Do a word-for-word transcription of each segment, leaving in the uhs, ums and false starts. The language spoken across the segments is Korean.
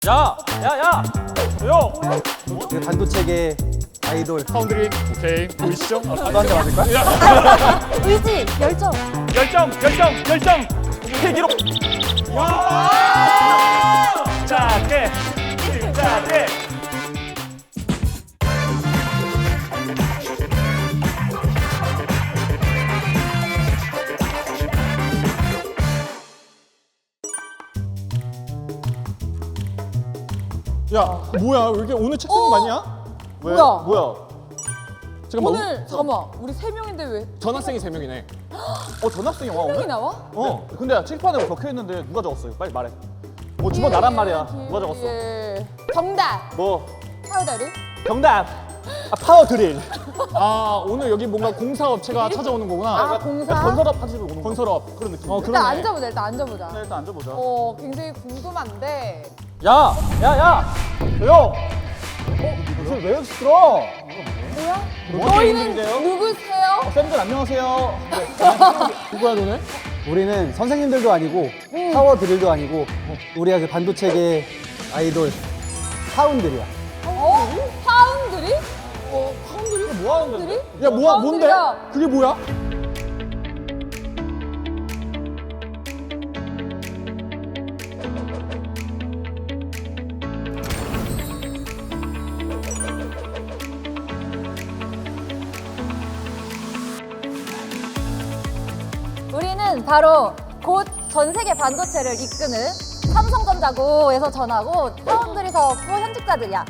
야! 야! 야! 조용! 그 반도체계 아이돌 파운드리 오케이 보이시죠? 너한테 맞을까? 의지, 열정. 열정! 열정! 열정! 폐기로! 자, 깨! 자, 깨! 야 뭐야 왜 이렇게 오늘 책상이 어? 많냐? 왜? 뭐야? 뭐야? 잠깐만 오늘 잠깐만 우리 세 명인데 왜 전학생이 세 명이네. 어 전학생이 와 명이 오늘? 나와? 어 근데 칠판에 적혀 있는데 누가 적었어요? 빨리 말해. 뭐 주먹 나란 말이야. 누가 적었어? 예. 정답. 뭐 파우더리. 정답. 아 파워 드릴. 아 오늘 여기 뭔가 공사업체가 찾아오는 거구나. 아 공사. 건설업 하시고 오는 거. 건설업 그런 느낌. 어 일단 그러네. 앉아보자. 일단 앉아보자. 네, 일단 앉아보자. 어 굉장히 궁금한데. 야! 야! 야! 조용. 어? 무슨 왜 이렇게 시끄러? 뭐야? 뭐 너희는 하는 분들이세요? 누구세요? 쌤들 안녕하세요. 누구야 너네? 우리는 선생님들도 아니고 파워 드릴도 아니고 우리가 그 반도체계 아이돌 파운드리야. 어? 파운드리? 어, 파운드리가 뭐 하는 건데? 파운드리? 야 뭐야 뭔데? 파운드리가 그게 뭐야? 우리는 바로 곧 전 세계 반도체를 이끄는 삼성전자고에서 전하고 파운드리 사업부 현직자들이야.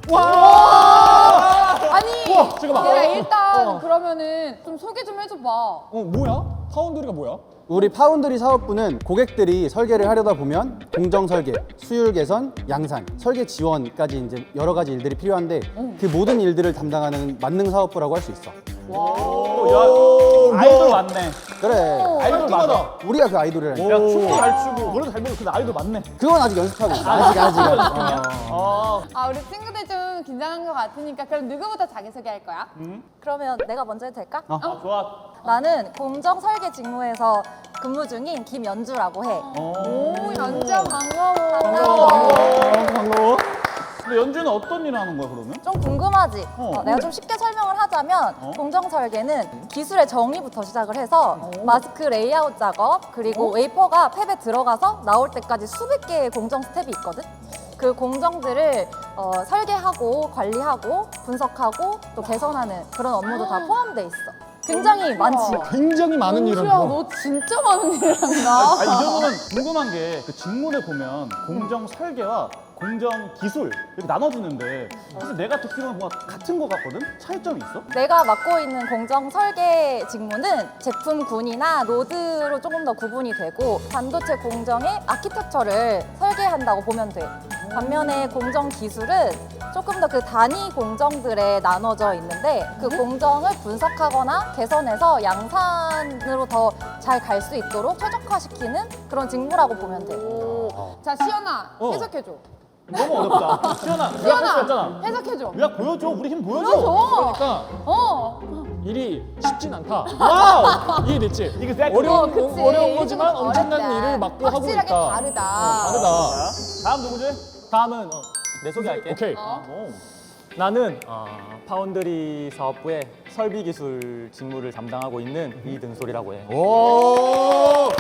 와! 아니, 우와, 잠깐만. 내가 일단 어. 그러면은 좀 소개 좀 해줘봐. 어 뭐야? 파운드리가 뭐야? 우리 파운드리 사업부는 고객들이 설계를 하려다 보면 공정 설계, 수율 개선, 양산, 설계 지원까지 이제 여러 가지 일들이 필요한데 그 모든 일들을 담당하는 만능 사업부라고 할 수 있어. 아이돌 맞네. 그래. 아이돌 맞아. 우리가 그 아이돌이라니까. 야, 춤도 잘 추고, 노래도 잘 부르고, 근데 아이돌 맞네. 그건 아직 연습하고 있어. 아직 아직. 어. 어. 아, 우리 친구들 좀 긴장한 것 같으니까 그럼 누구부터 자기소개할 거야? 그러면 내가 먼저 해도 될까? 어. 아, 좋아. 나는 공정 설계 직무에서 근무 중인 김연주라고 해. 오, 연주야 반가워. 반가워. 반가워. 근데 연주는 어떤 일을 하는 거야, 그러면? 좀 궁금하지? 어. 어, 내가 좀 쉽게 설명을 하자면 어? 공정 설계는 기술의 정의부터 시작을 해서 마스크 레이아웃 작업 그리고 웨이퍼가 팹에 들어가서 나올 때까지 수백 개의 공정 스텝이 있거든? 그 공정들을 어, 설계하고 관리하고 분석하고 또 개선하는 그런 업무도 다 포함돼 있어. 굉장히 많지? 굉장히 많은 일을 연주야, 해. 너 진짜 많은 일을 한다. 아, 이 정도면 궁금한 게 그 직문에 보면 공정 설계와 공정 기술 이렇게 나눠지는데 사실 내가 듣기로는 뭔가 같은 거 같거든? 차이점이 있어? 내가 맡고 있는 공정 설계 직무는 제품군이나 노드로 조금 더 구분이 되고 반도체 공정의 아키텍처를 설계한다고 보면 돼. 반면에 공정 기술은 조금 더 그 단위 공정들에 나눠져 있는데 그 공정을 분석하거나 개선해서 양산으로 더 잘 갈 수 있도록 최적화시키는 그런 직무라고 보면 돼. 자, 시연아, 어. 해석해줘. 너무 어렵다. 시연아, 유학 할수 시연아, 있잖아. 해석해줘. 유학 보여줘. 우리 힘 보여줘. 보여줘. 그러니까 어. 일이 쉽진 않다. 와우! 이해됐지? 이게 세트. 어려운 어, 그치. 어려운 거지만 좀 엄청난 어렵다. 일을 맡고 하고 확실하게 있다. 다르다. 어, 다르다. 다음 누구지? 다음은 어, 내 소개할게. 오케이. 어? 오. 나는 어, 파운드리 사업부의 설비 기술 직무를 담당하고 있는 이등솔이라고 해. 오.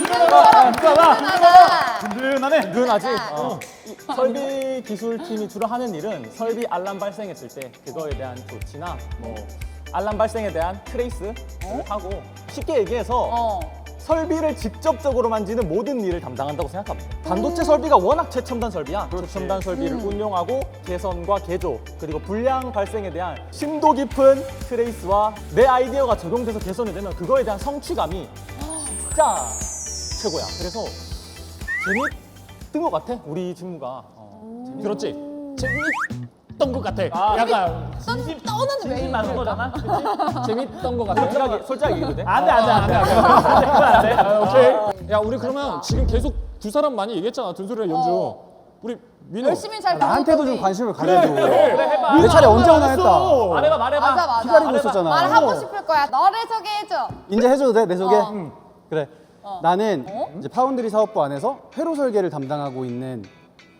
하나. 든든하네. 든든하지? 아. 어. 이 설비 기술팀이 주로 하는 일은 설비 알람 발생했을 때 그거에 대한 조치나 뭐 알람 발생에 대한 트레이스를 하고 쉽게 얘기해서 어. 설비를 직접적으로 만지는 모든 일을 담당한다고 생각합니다. 반도체 설비가 워낙 최첨단 설비야. 최첨단 설비를 음. 운용하고 개선과 개조 그리고 불량 발생에 대한 심도 깊은 트레이스와 내 아이디어가 적용돼서 개선이 되면 그거에 대한 성취감이 진짜 최고야. 그래서 재밌던 것 같아. 우리 직무가. 어, 들었지? 재밌던 것 같아. 아. 약간 진심 떠는 왜 진심 많은 거잖아. 그치? 재밌던 것 같아. 솔직하게 솔직하게 얘기해도 돼? 안 돼, 안 돼, 안 돼. 안 돼. 아, 오케이. 야 우리 그러면 지금 계속 두 사람 많이 얘기했잖아. 든솔이랑 연주. 우리 민호. 열심히 잘 나한테도 배웠더니. 좀 관심을 가져줘. 그래, 해봐. 내 차례 언제 오나 했다. 말해봐, 말해봐. 맞아, 맞아. 기다리고 있었잖아. 말하고 싶을 거야. 너를 소개해줘. 이제 해줘도 돼? 내 소개? 어. 응. 그래. 나는 어? 이제 파운드리 사업부 안에서 회로 설계를 담당하고 있는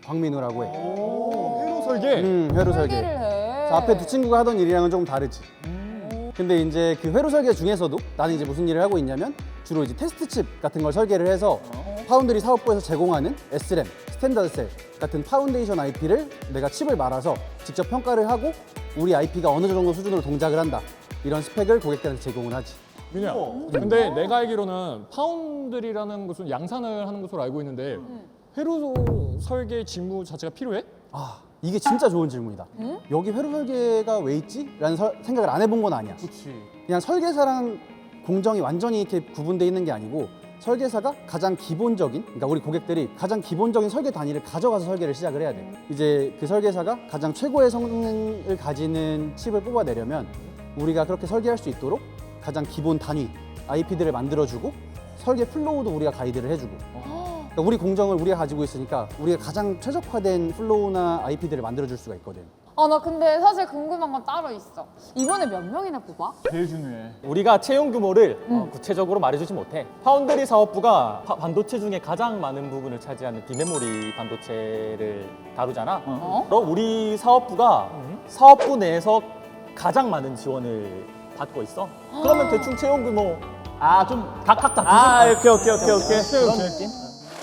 광민우라고 해. 회로 설계. 음, 회로 설계. 설계를 해. 그래서 앞에 두 친구가 하던 일이랑은 조금 다르지. 근데 이제 그 회로 설계 중에서도 나는 이제 무슨 일을 하고 있냐면 주로 이제 테스트 칩 같은 걸 설계를 해서 파운드리 사업부에서 제공하는 에스램, 스탠다드 셀 같은 파운데이션 아이피를 내가 칩을 말아서 직접 평가를 하고 우리 아이피가 어느 정도 수준으로 동작을 한다. 이런 스펙을 고객들한테 제공을 하지. 민우야. 근데 내가 알기로는 파운드리라는 곳은 양산을 하는 곳으로 알고 있는데 회로 설계 직무 자체가 필요해? 아, 이게 진짜 좋은 질문이다. 여기 회로 설계가 왜 있지? 라는 설- 생각을 안 해본 건 아니야. 그렇지. 그냥 설계사랑 공정이 완전히 이렇게 구분돼 있는 게 아니고 설계사가 가장 기본적인, 그러니까 우리 고객들이 가장 기본적인 설계 단위를 가져가서 설계를 시작을 해야 돼. 이제 그 설계사가 가장 최고의 성능을 가지는 칩을 뽑아내려면 우리가 그렇게 설계할 수 있도록 가장 기본 단위 아이피들을 만들어주고 설계 플로우도 우리가 가이드를 해주고. 그러니까 우리 공정을 우리가 가지고 있으니까 우리가 가장 최적화된 플로우나 아이피들을 만들어줄 수가 있거든. 아, 나 근데 사실 궁금한 건 따로 있어. 이번에 몇 명이나 뽑아? 제일 중요해. 우리가 채용 규모를 어, 구체적으로 말해주지 못해. 파운드리 사업부가 파- 반도체 중에 가장 많은 부분을 차지하는 비메모리 반도체를 다루잖아. 어? 그럼 우리 사업부가 사업부 내에서 가장 많은 지원을 받고 있어. 그러면 대충 채용 규모 아, 좀 각각 다 아, 두세 오케이, 오케이, 오케이, 오케이. 그런 느낌?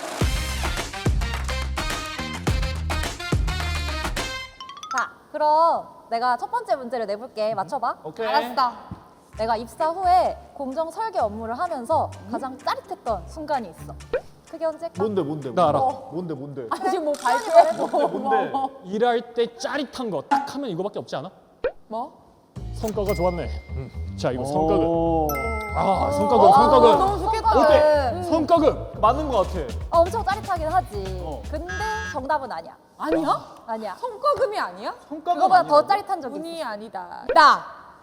자, 그럼 내가 첫 번째 문제를 내볼게. 맞춰봐. 오케이. 알았어. 내가 입사 후에 공정 설계 업무를 하면서 가장 짜릿했던 순간이 있어. 그게 언제일까? 뭔데, 뭔데? 나 알아. 뭔데, 뭔데? 아니, 지금 뭐 발표해? 뭔데? 일할 때 짜릿한 거 딱 하면 이거밖에 없지 않아? 뭐? 성과가 좋았네. 음. 자, 이거 성과급. 오. 아, 성과급, 성과급. 너무 좋겠다. 어때? 성과급. 맞는 거 같아. 어, 엄청 짜릿하긴 하지. 어. 근데 정답은 아니야. 아니야? 아니야. 성과금이 아니야? 성과급 그거보다 아니라고? 더 짜릿한 적이 운이 있어. 아니다. 나!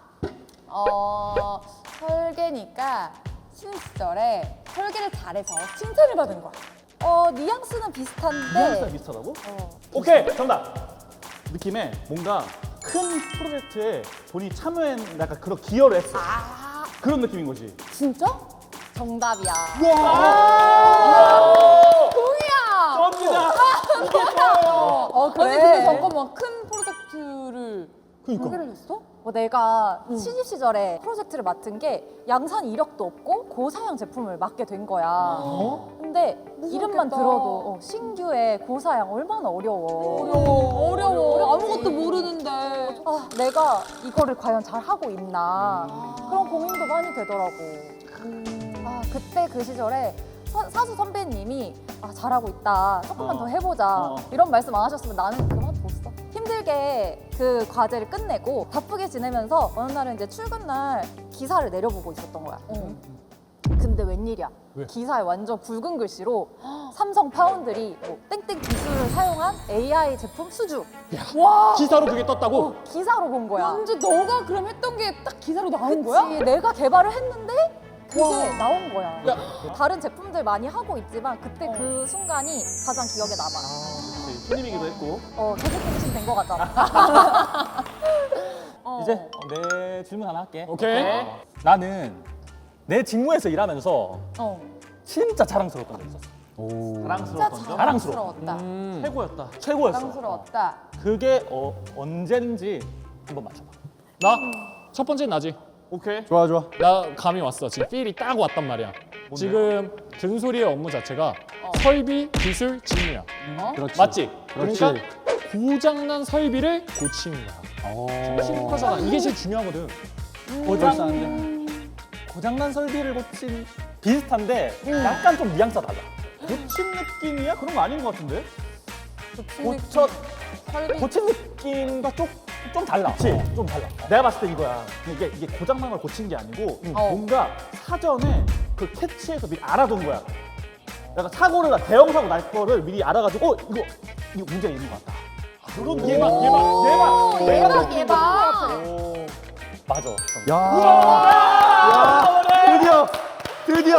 어, 설계니까 신입 시절에 설계를 잘해서 칭찬을 받은 거야. 어, 뉘앙스는 비슷한데. 뉘앙스가 비슷하다고? 어. 오케이, 정답. 느낌에 뭔가 큰 프로젝트에 본인이 참여한 약간 그런 기여를 했어. 아, 그런 느낌인 거지. 진짜? 정답이야. 동이야! 썸이다. 어, 그래? 아니, 근데 잠깐만, 큰 프로젝트를 그러니까. 설계를 했어? 뭐 내가 신입 시절에 프로젝트를 맡은 게 양산 이력도 없고 고사양 제품을 맡게 된 거야. 근데 이름만 무섭겠다. 들어도 어, 신규의 고사양 얼마나 어려워. 어려워, 어려워. 어렵지. 아무것도 모르는데. 아, 내가 이거를 과연 잘 하고 있나 그런 고민도 많이 되더라고. 아, 그때 그 시절에 사, 사수 선배님이 아, 잘하고 있다. 조금만 어. 더 해보자. 어. 이런 말씀 안 하셨으면 나는 그만뒀어. 힘들게 그 과제를 끝내고 바쁘게 지내면서 어느 날은 이제 출근 날 기사를 내려보고 있었던 거야. 근데 웬일이야? 왜? 기사에 완전 굵은 글씨로 삼성 파운드리 뭐 땡땡 기술을 사용한 에이아이 제품 수주 와! 기사로 그게 떴다고? 어, 기사로 본 거야. 완전 너가 그럼 했던 게 딱 기사로 나온 그치, 거야? 내가 개발을 했는데 그게 와. 나온 거야. 야. 다른 제품들 많이 하고 있지만 그때 그 순간이 가장 기억에 남아. 신입이기도 했고. 어, 계속 된 거 같잖아. 어. 이제 내 질문 하나 할게. 오케이. 어, 나는 내 직무에서 일하면서 어. 진짜 자랑스러웠던 적 있었어. 오. 사랑스러웠던 점. 자랑스러워. 자랑스러웠다. 최고였다. 최고였어. 자랑스러웠다. 그게 어, 언젠지 한번 맞춰봐. 나? 첫 번째는 나지. 오케이. 좋아 좋아. 나 감이 왔어. 지금 필이 딱 왔단 말이야. 지금 든소리의 업무 자체가 설비, 기술, 직무야. 그렇지. 맞지? 그렇지. 그러니까 고장난 설비를 고치는 거야. 오. 심플하잖아. 이게 제일 중요하거든. 고장, 고장난 설비를 고친 비슷한데 약간 좀 뉘앙스가 달라. 고친 느낌이야? 그런 거 아닌 것 같은데? 고쳐, 설비. 고친 느낌과 좀, 좀 달라. 그치? 좀 달라. 내가 봤을 때 이거야. 이게, 이게 고장난 걸 고친 게 아니고 어. 뭔가 사전에 그 캐치해서 미리 알아둔 거야. 약간 사고를 나, 대형 사고 날 거를 미리 알아가지고 어 이거 이거 문제가 있는 것 같다. 그런 예방 예방 예방 예방, 예방. 오. 맞아. 야. 야, 드디어 드디어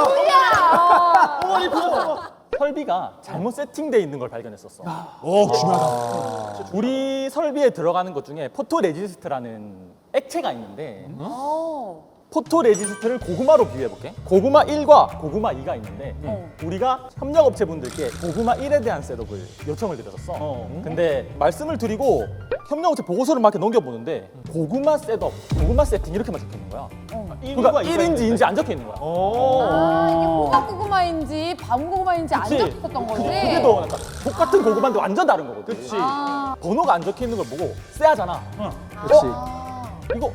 어머니 그거 설비가 잘못 세팅돼 있는 걸 발견했었어. 오, 중요하다. 우리 설비에 들어가는 것 중에 포토레지스트라는 액체가 있는데 어. 포토 레지스트를 고구마로 비유해볼게. 고구마 일과 고구마 이가 있는데 어. 우리가 협력업체분들께 고구마 일에 대한 셋업을 요청을 드렸었어. 어. 근데 말씀을 드리고 협력업체 보고서를 막 이렇게 넘겨보는데 고구마 셋업, 고구마 세팅 이렇게만 적혀있는 거야. 그러니까 일인지 이인지 안 적혀있는 거야. 아 이게 호박 고구마인지 밤 고구마인지 안 그치? 적혔던 거지? 그게 더 약간 똑같은 고구마인데 완전 다른 거거든. 그치. 아, 번호가 안 적혀있는 걸 보고 쎄하잖아. 그렇지. 아. 이거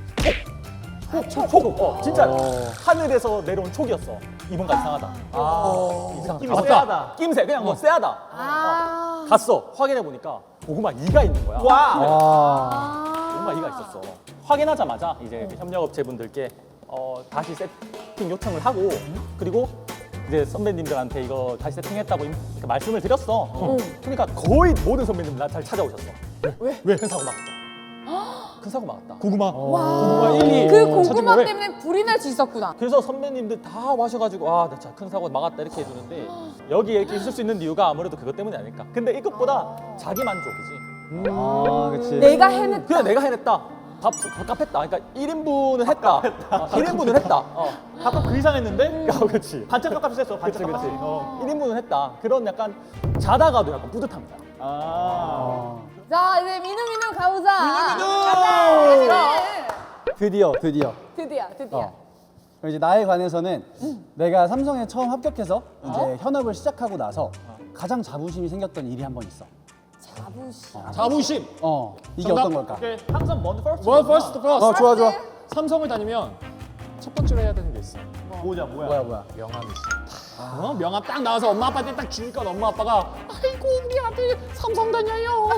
촉, 촉, 촉. 어, 진짜 하늘에서 내려온 촉이었어. 이번가 이상하다. 아, 이상. 낌새. 낌새 세하다. 낌새 그냥 뭐 쎄하다. 아. 어. 갔어. 확인해 보니까 고구마 이가 있는 거야. 와. 아. 고구마 이가 있었어. 확인하자마자 이제 그 협력업체분들께 어, 다시 세팅 요청을 하고 그리고 이제 선배님들한테 이거 다시 세팅했다고 임- 이렇게 말씀을 드렸어. 그러니까 거의 모든 선배님들 날 잘 찾아오셨어. 왜? 왜? 큰 사고 막았다. 큰 사고 막았다. 고구마. 와. 고구마 일, 이. 그 찾은 고구마 거에 때문에 불이 날 수 있었구나. 그래서 선배님들 다 와셔가지고 아, 나 진짜 큰 사고 막았다 이렇게 해주는데 여기에 이렇게 있을 수 있는 이유가 아무래도 그것 때문이 아닐까. 근데 이것보다 자기 만족이지. 아, 그렇지. 내가 해냈다. 그냥 내가 해냈다. 밥, 밥값했다. 그러니까 일 인분은 했다. 어, 일 인분은 했다. 어. 밥값 그 이상 했는데 어, 그렇지. 반찬 값값이 셌어. 그치, 반찬 그치. 값값이. 어. 일 인분은 했다. 그런 약간 자다가도 약간 뿌듯합니다. 아. 자 이제 민우 민우 가보자. 민우, 민우! 가자. 드디어 드디어. 드디어 드디어. 어. 그럼 이제 나에 관해서는 내가 삼성에 처음 합격해서 이제 현업을 시작하고 나서 가장 자부심이 생겼던 일이 한 번 있어. 자부심. 자부심. 어, 이게 정답? 어떤 걸까? 오케이. 항상 먼저 퍼스트. 원 퍼스트 퍼스트. 어, 좋아 좋아. 삼성을 다니면 첫 번째로 해야 되는 게 있어. 뭐냐 뭐야. 뭐야 뭐야. 명함이지. 어? 명함 딱 나와서 엄마 아빠한테 딱 주니까 엄마 아빠가 아이고 우리 아들 삼성 다녀요.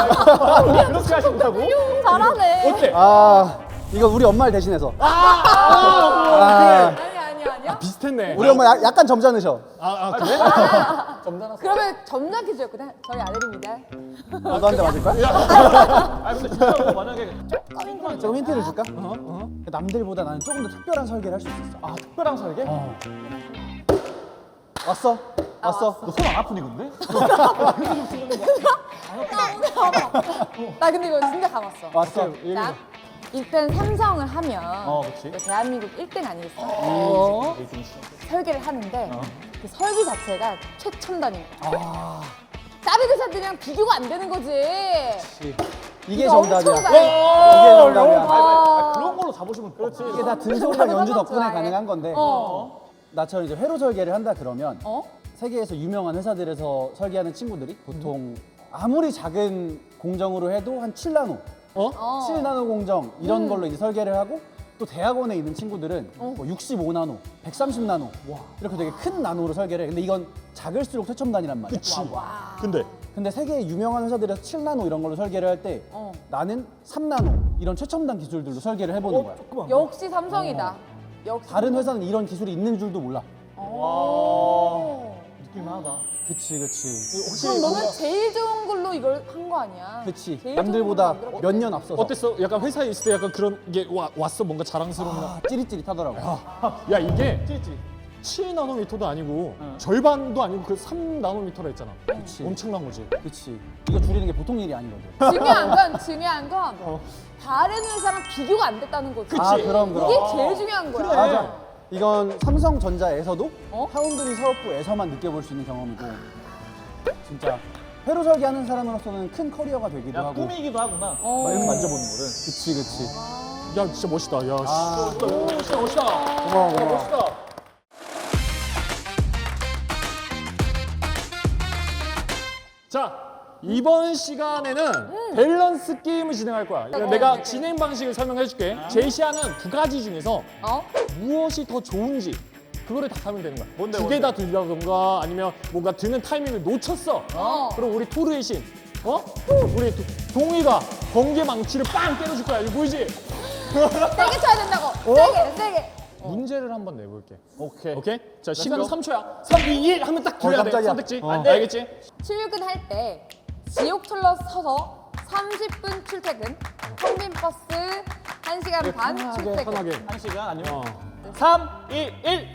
그렇게 하신다고? 잘하네. 어때? 아, 이거 우리 엄마를 대신해서. 아, 아, 아, 아니 아니 아니야. 비슷했네. 우리 엄마 야- 약간 점잖으셔. 아, 아 그래? 그러면 점잖게 지었거든. 저희 아들입니다. 어, 너한테 맞을 거야? 아 근데 진짜로 만약에 조금 힌트를 줄까? 남들보다 나는 조금 더 특별한 설계를 할 수 있었어. 아 특별한 설계? 어. 왔어? 왔어? 너 손 안 아프니 근데? 나 근데 이거 진짜 감았어. 왔어. 자, 일단 삼성을 하면 어, 그치. 대한민국 일 등 아니겠어? 어. 설계를 하는데 그 설계 자체가 최첨단인 거야. 다른 회사들이랑 비교가 안 되는 거지. 이게 이거 엄청 정답이야. 잘해. 이게 정답이야. 와. 그런 걸로 자부심은 그렇지. 이게 다 등소리랑 연주 덕분에 좋아해. 가능한 건데 어. 나처럼 이제 회로 설계를 한다 그러면 어? 세계에서 유명한 회사들에서 설계하는 친구들이 보통 아무리 작은 공정으로 해도 한 칠 나노, 어. 칠 나노 공정 이런 걸로 이제 설계를 하고 또 대학원에 있는 친구들은 뭐 육십오 나노, 백삼십 나노 이렇게 되게 큰 나노로 설계를 해. 근데 이건 작을수록 최첨단이란 말이야. 그치. 근데 근데 세계 유명한 회사들에서 칠 나노 이런 걸로 설계를 할 때 어. 나는 삼 나노 이런 최첨단 기술들로 설계를 해보는 거야. 역시 삼성이다. 역시. 다른 회사는 이런 기술이 있는 줄도 몰라. 오. 느낌하다. 그치 그치. 그럼 너는 제일 좋은 걸로 이걸 한 거 아니야? 그치. 제일 남들보다 좋은 걸로 몇 년 앞서서. 어땠어? 약간 회사에 있을 때 약간 그런 게 와, 왔어 뭔가 자랑스러운 나. 아, 찌릿찌릿하더라고. 야 이게 찌릿찌릿. 칠 나노미터도 아니고 절반도 아니고 그 삼 나노미터라 했잖아. 그치. 엄청난 거지. 그치. 이거 줄이는 게 보통 일이 아니거든. 중요한 건 중요한 건 다른 회사랑 비교가 안 됐다는 거지. 아, 그럼, 그럼. 이게 제일 중요한 거야. 맞아. 이건 삼성전자에서도 어? 파운드리 사업부에서만 느껴볼 수 있는 경험이고 진짜 회로 설계하는 사람으로서는 큰 커리어가 되기도 야 하고. 꿈이기도 하구나. 어. 막 이렇게 만져보는 거는. 그치 그치. 야 진짜 멋있다. 야 씨. 아. 멋있다 멋있다. 고마워 고마워. 멋있다. 자 이번 시간에는 밸런스 게임을 진행할 거야. 내가 진행 방식을 설명해 줄게. 제시하는 두 가지 중에서 어? 무엇이 더 좋은지 그거를 답하면 되는 거야. 뭔데, 두 개 다 들다던가 아니면 뭔가 드는 타이밍을 놓쳤어. 어. 그럼 우리 토르의 신, 어? 우리 도- 동이가 번개 망치를 빵 때려줄 거야. 이거 보이지? 세게 쳐야 된다고. 세게 세게. 문제를 한번 내볼게. 오케이. 오케이? 자 시간은 go. 삼 초야. 삼, 이, 일 하면 딱 들어야 돼. 깜짝이야. 선택지. 어. 알겠지? 출근할 때 지옥철로 서서 삼십 분 출퇴근. 평빈 버스 한 시간 반 편하게 출퇴근. 편하게. 한 시간 아니면 어. 삼, 이, 일.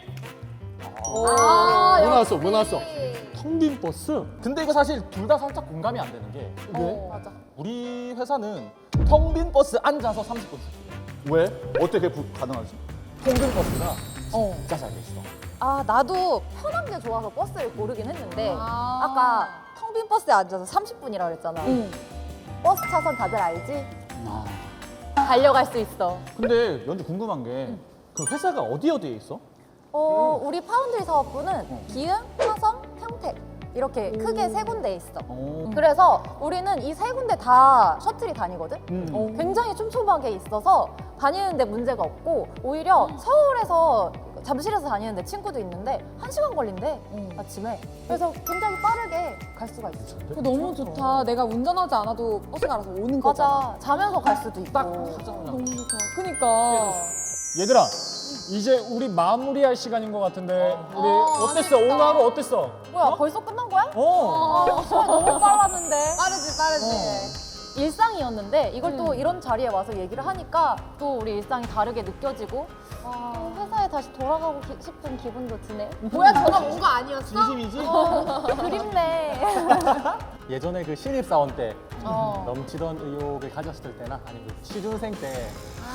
아, 뭐 나왔어? 역시. 뭐 나왔어? 텅빈 버스? 근데 이거 사실 둘 다 살짝 공감이 안 되는 게 어, 맞아. 우리 회사는 텅 빈 버스 앉아서 삼십 분. 왜? 어떻게 그게 부- 가능하지? 통근 버스가 어. 진짜 잘 돼 있어. 아, 나도 편한 게 좋아서 버스를 고르긴 했는데 아. 아까 텅 빈 버스에 앉아서 삼십 분이라고 그랬잖아. 응. 버스 차선 다들 알지? 아. 달려갈 수 있어. 근데 연주 궁금한 게 그 회사가 어디 어디에 있어? 어, 우리 파운드리 사업부는 기흥, 화성, 평택 이렇게 크게 세 군데에 있어. 오. 그래서 우리는 이 세 군데 다 셔틀이 다니거든? 음. 어, 굉장히 촘촘하게 있어서 다니는데 문제가 없고 오히려 서울에서 잠실에서 다니는데 친구도 있는데 한 시간 걸린대 아침에. 그래서 굉장히 빠르게 갈 수가 있어. 그거 너무 좋다. 내가 운전하지 않아도 버스가 알아서 오는 거잖아. 맞아. 자면서 갈 수도 있고. 너무 좋다. 그니까. 얘들아, 이제 우리 마무리할 시간인 것 같은데 우리 어, 어땠어? 오늘 하루 어땠어? 뭐야 벌써 끝난 거야? 어. 아, 시간 너무 빨랐는데. 빠르지 빠르지. 일상이었는데 이걸 또 이런 자리에 와서 얘기를 하니까 또 우리 일상이 다르게 느껴지고 또 회사에 다시 돌아가고 기- 싶은 기분도 드네. 뭐야 전화 온 거 아니었어? 진심이지? 그립네. 예전에 그 신입사원 때 어. 넘치던 의욕을 가졌을 때나 아니면 그 취준생 때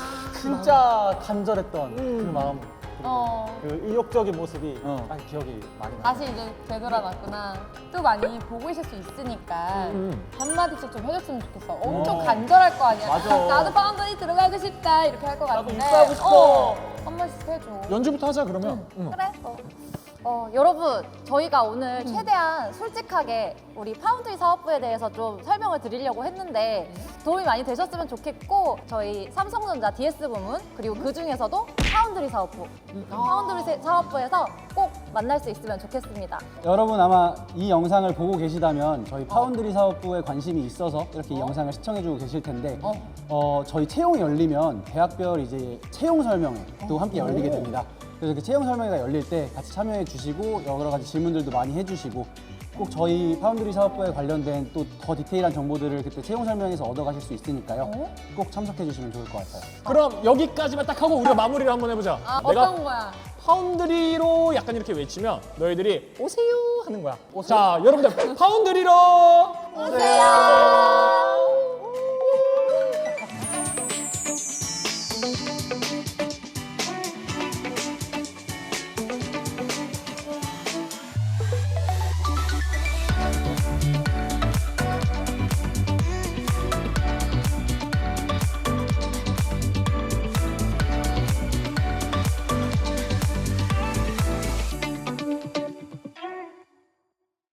진짜 간절했던 그 마음 그리고 어. 그 의욕적인 모습이 어. 딱 기억이 많이 나요. 다시 이제 되돌아왔구나. 또 많이 보고 있을 수 있으니까 한마디씩 좀 해줬으면 좋겠어. 엄청 어. 간절할 거 아니야. 맞아. 나도 파운드리 들어가고 싶다 이렇게 할 것 같은데. 입사하고 싶어. 어, 한 번씩 해줘. 연주부터 하자 그러면. 응. 그래. 어. 어, 여러분 저희가 오늘 최대한 솔직하게 우리 파운드리 사업부에 대해서 좀 설명을 드리려고 했는데 도움이 많이 되셨으면 좋겠고 저희 삼성전자 디에스 부문 그리고 그 중에서도 파운드리 사업부 파운드리 세- 사업부에서 꼭 만날 수 있으면 좋겠습니다. 여러분 아마 이 영상을 보고 계시다면 저희 파운드리 사업부에 관심이 있어서 이렇게 이 영상을 시청해주고 계실 텐데 어, 저희 채용이 열리면 대학별 이제 채용 설명회도 함께 열리게 됩니다. 그래서 그 채용 설명회가 열릴 때 같이 참여해 주시고 여러 가지 질문들도 많이 해주시고 꼭 저희 파운드리 사업부에 관련된 또 더 디테일한 정보들을 그때 채용 설명회에서 얻어가실 수 있으니까요. 꼭 참석해 주시면 좋을 것 같아요. 그럼 여기까지만 딱 하고 우리가 마무리를 한번 해보자. 아, 내가 어떤 거야? 파운드리로 약간 이렇게 외치면 너희들이 오세요 하는 거야. 자, 여러분들 파운드리로 오세요.